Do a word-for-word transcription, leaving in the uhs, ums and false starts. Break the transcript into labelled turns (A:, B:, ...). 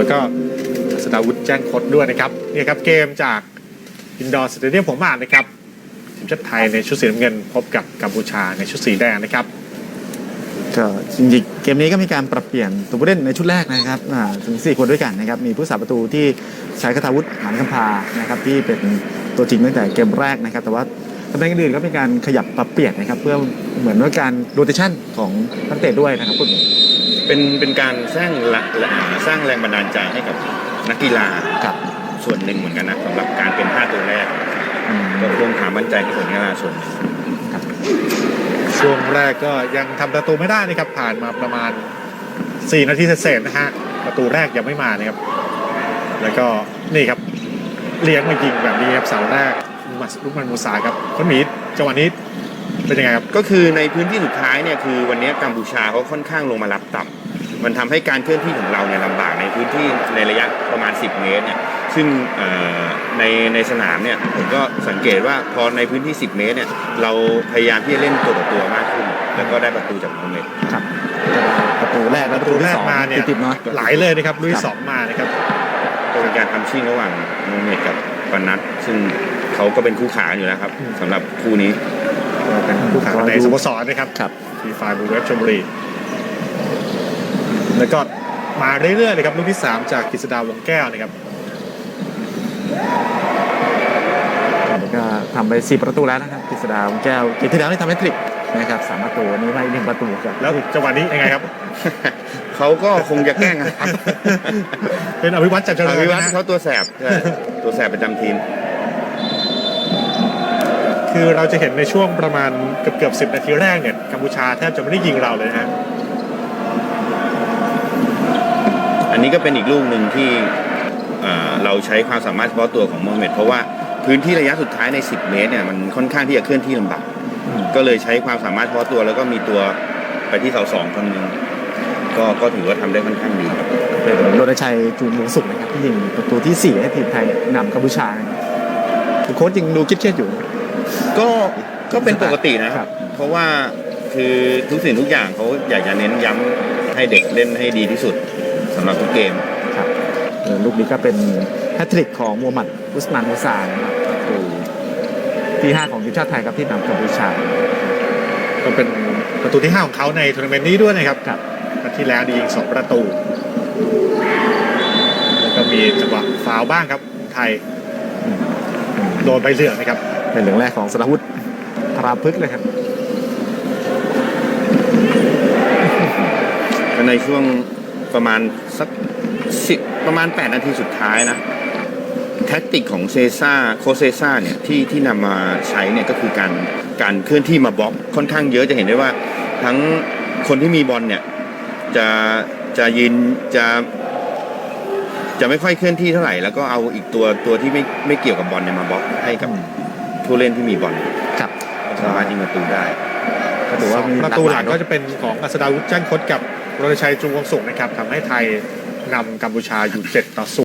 A: แล้วก็สดาวุฒิแจ้งคดด้วยนะครับนี่ครับเกมจากอินดอร์สเตเดียมผมอ่านนะครับทีมชาติไทยในชุดสีน้ำเงินพบกับกัมพูชาในชุดสีแดงนะครับ
B: ก็จริงๆเกมนี้ก็มีการปรับเปลี่ยนตัวผู้เล่นในชุดแรกนะครับถึงสี่คนด้วยกันนะครับมีผู้สาประตูที่ใช้คทาวุฒิหานคำพานะครับที่เป็นตัวจริงตั้งแต่เกมแรกนะครับแต่ว่าตำแหน่งอื่นก็เป็นการขยับปรับเปลี่ยนนะครับเพื่อเหมือนว่าการโรเตชันของนักเตะด้วยนะครับ
C: เป็นเป็นการสร้างสร้างแรงบันดาลใจให้กับนักกีฬาส่วนหนึ่งเหมือนกันนะสำหรับการเป็นห้าตัวแรกก็เพิ่มความมั่นใจให้กับนักกีฬาส่วนหนึ่ง
A: ช่วงแรกก็ยังทำประตูไม่ได้นะครับผ่านมาประมาณสี่นาทีเศษๆนะฮะประตูแรกยังไม่มานะครับแล้วก็นี่ครับเลี้ยงมายิงแบบนี้ครับเสาแรกลูกมันมูซาครับคนหมีจังหวะนี้เป็นยังไงครับ
C: ก็คือในพื้นที่สุดท้ายเนี่ยคือวันนี้กัมพูชาเขาค่อนข้างลงมารับต่ำมันทำให้การเคลื่อนที่ของเราเนี่ยลำบากในพื้นที่ในระยะประมาณสิบเมตรเนี่ยซึ่งในในสนามเนี่ยผมก็สังเกตว่าพอในพื้นที่สิบเมตรเนี่ยเราพยายามที่จะเล่นตัวต่อตัวมากขึ้นแล้วก็ได้ประตูจากโมเมต
B: ครับประตูแรก
A: ประตูแรกมาเนี่ยหลายเลยนะครับลุยสองมานะครับ
C: เป็นการทำชิ่งระหว่างโมเมตกับปนัทซึ่งเขาก็เป็นคู่ขาอยู่แล้วครับสำหรับคู่นี้
A: เป็นคู่ขาในสโมสรนะครับทีไฟบูเวฟชลบุรีแล้วก็มาเรื่อยๆเลยครับลูกที่สามจากกฤษดาวงแก้วนะครับ
B: ก็ทำไปสี่ประตูแล้วนะครับกฤษดาวงแก้วเกมที่แล้วนี่ทำให้ทริกนะครับสามประตูนี้มาอีกหนึ่งประตูครับ
A: แล้วจังหวะนี้ยังไงครับ
C: เขาก็คงจะแกล้งครับ
A: เป็นอภิวัตรจันทร์
C: อภิวัตรเขาตัวแสบตัวแสบประจำทีม
A: คือเราจะเห็นในช่วงประมาณเกือบเกือบสิบนาทีแรกเนี่ยกัมพูชาแทบจะไม่ได้ยิงเราเลยฮะ
C: อันนี้ก็เป็นอีกลูกหนึ่งที่เราใช้ความสามารถเฉพาะตัวของโมฮัมเหม็ดเพราะว่าพื้นที่ระยะสุดท้ายในสิบเมตรเนี่ยมันค่อนข้างที่จะเคลื่อนที่ลำบากก็เลยใช้ความสามารถเฉพาะตัวแล้วก็มีตัวไปที่เสาสองคนหนึ่งก็ก็ถือว่าทำได้ค่อนข้างดีครับ
B: เป็นโรณชัยจูงวงสุขนะครับที่ยิงประตูที่สี่ให้ทีมไทยนำกัมพูชาโค้ชจริงดูคิดเครียดอยู่
C: ก็ก็เป็นปกตินะครับเพราะว่าคือทุกสิ่งทุกอย่างเขาอยากจะเน้นย้ำให้เด็กเล่นให้ดีที่สุดสำหรับทุกเกม
B: ครับลูกนี้ก็เป็นแฮตทริกของมูฮัมหมัดอุสมานมูซานะครับคือที่ห้าของทีมชาติไทยครับที่นำกัมพูชา
A: ก็เป็นประตูที่ห้าของเขาในทัวร์นาเมนต์นี้ด้วยนะครับครับนัดที่แล้วยิงสองประตูแล้วก็มีจังหวะฟาวล์บ้างครับไทยโดนใบเหลืองนะครับ
B: เป็นเหลืองแรกของสราวุธพราพฤกษ์เลยครับ
C: ในช่วงประมาณสักสิบประมาณแปดนาทีสุดท้ายนะแท็กติกของเซซ่าโคเซซ่าเนี่ยที่ที่นำมาใช้เนี่ยก็คือการการเคลื่อนที่มาบล็อกค่อนข้างเยอะจะเห็นได้ว่าทั้งคนที่มีบอลเนี่ยจะจะยืนจะจะไม่ค่อยเคลื่อนที่เท่าไหร่แล้วก็เอาอีกตัวตัวที่ไม่ไม่เกี่ยวกับบอลเนี่ยมาบล็อกให้กับผู้เล่นที่มีบอล
B: ครับ
C: สามารถยิงประตูได้
A: ก็ถือว่าประตูหลังก็จะเป็นของอัศดาวุฒิแจ้งคดกับโรณชัยจูงวงสุขนะครับทำให้ไทยนำกัมพูชาอยู่เจ็ดต่อศูนย์